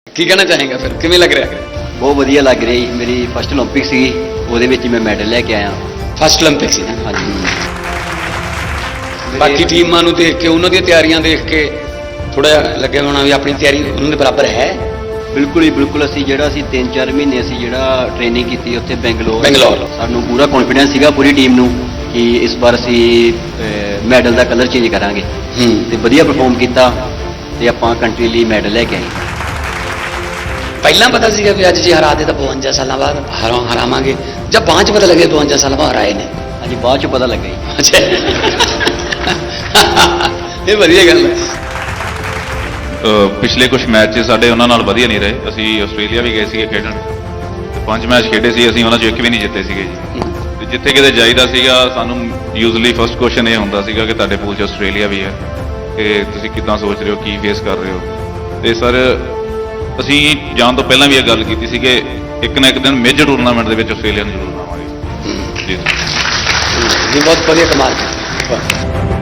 ਕੀ ਕਹਿਣਾ ਚਾਹੇਗਾ ਫਿਰ ਕਿਵੇਂ ਲੱਗ ਰਿਹਾ ਬਹੁਤ ਵਧੀਆ ਲੱਗ ਰਿਹਾ ਜੀ। ਮੇਰੀ ਫਸਟ ਓਲੰਪਿਕ ਸੀਗੀ, ਉਹਦੇ ਵਿੱਚ ਮੈਂ ਮੈਡਲ ਲੈ ਕੇ ਆਇਆ। ਫਸਟ 올림픽 ਸੀ ਨਾ ਹਾਂਜੀ। ਬਾਕੀ ਟੀਮਾਂ ਨੂੰ ਦੇਖ ਕੇ ਉਹਨਾਂ ਦੀਆਂ ਤਿਆਰੀਆਂ ਦੇਖ ਕੇ ਥੋੜਾ ਲੱਗਿਆ ਹੋਣਾ ਵੀ ਆਪਣੀ ਤਿਆਰੀ ਉਹਨਾਂ ਦੇ ਬਰਾਬਰ ਹੈ। ਬਿਲਕੁਲ ਹੀ ਬਿਲਕੁਲ। ਅਸੀਂ 3-4 ਮਹੀਨੇ ਅਸੀਂ ਟ੍ਰੇਨਿੰਗ ਕੀਤੀ ਉੱਥੇ ਬੰਗਲੌਰ। ਸਾਨੂੰ ਪੂਰਾ ਕੌਨਫੀਡੈਂਸ ਸੀਗਾ ਪੂਰੀ ਟੀਮ ਨੂੰ ਕਿ ਇਸ ਵਾਰ ਅਸੀਂ ਮੈਡਲ ਦਾ ਕਲਰ ਚੇਂਜ ਕਰਾਂਗੇ ਤੇ ਵਧੀਆ ਪਰਫਾਰਮ ਕੀਤਾ ਤੇ ਆਪਾਂ ਕੰਟਰੀ ਲਈ ਮੈਡਲ ਲੈ ਕੇ ਆਏ। ਪਹਿਲਾਂ ਪਤਾ ਸੀਗਾ ਵੀ ਅੱਜ ਜੇ ਹਰਾ ਦੇ ਤਾਂ 52 ਸਾਲਾਂ ਬਾਅਦ ਹਰਾਵਾਂਗੇ, ਜਾਂ ਬਾਅਦ ਚ ਪਤਾ ਲੱਗਿਆ 52 ਸਾਲਾਂ ਬਾਅਦ ਹਰਾਏ ਨੇ? ਹਾਂਜੀ, ਬਾਅਦ ਚ ਪਤਾ ਲੱਗਾ ਜੀ। ਅੱਛਾ, ਇਹ ਵਧੀਆ ਗੱਲ ਹੈ। ਪਿਛਲੇ ਕੁਝ ਮੈਚ ਸਾਡੇ ਉਹਨਾਂ ਨਾਲ ਵਧੀਆ ਨਹੀਂ ਰਹੇ। ਅਸੀਂ ਆਸਟ੍ਰੇਲੀਆ ਵੀ ਗਏ ਸੀਗੇ ਖੇਡਣ ਤੇ 5 ਮੈਚ ਖੇਡੇ ਸੀ ਅਸੀਂ, ਉਹਨਾਂ 'ਚ ਇੱਕ ਵੀ ਨਹੀਂ ਜਿੱਤੇ ਸੀਗੇ ਜੀ। ਤੇ ਜਿੱਥੇ ਕਿਤੇ ਜਾਈਦਾ ਸੀਗਾ ਸਾਨੂੰ ਯੂਜ਼ਲੀ ਫਸਟ ਕੁਐਸਚਨ ਇਹ ਹੁੰਦਾ ਸੀਗਾ ਕਿ ਤੁਹਾਡੇ ਪੂਲ 'ਚ ਆਸਟ੍ਰੇਲੀਆ ਵੀ ਹੈ, ਕਿ ਤੁਸੀਂ ਕਿੱਦਾਂ ਸੋਚ ਰਹੇ ਹੋ, ਕੀ ਫੇਸ ਕਰ ਰਹੇ ਹੋ। ਤੇ ਸਰ ਅਸੀਂ ਜਾਣ ਤੋਂ ਪਹਿਲਾਂ ਵੀ ਇਹ ਗੱਲ ਕੀਤੀ ਸੀ ਕਿ ਇੱਕ ਨਾ ਇੱਕ ਦਿਨ ਮੇਜਰ ਟੂਰਨਾਮੈਂਟ ਦੇ ਵਿੱਚ ਆਸਟ੍ਰੇਲੀਆ ਨੂੰ ਜ਼ਰੂਰ ਲਾਵਾਂਗੇ ਜੀ। ਇਹ ਬਹੁਤ ਵਧੀਆ ਕਮਾਲ ਹੈ।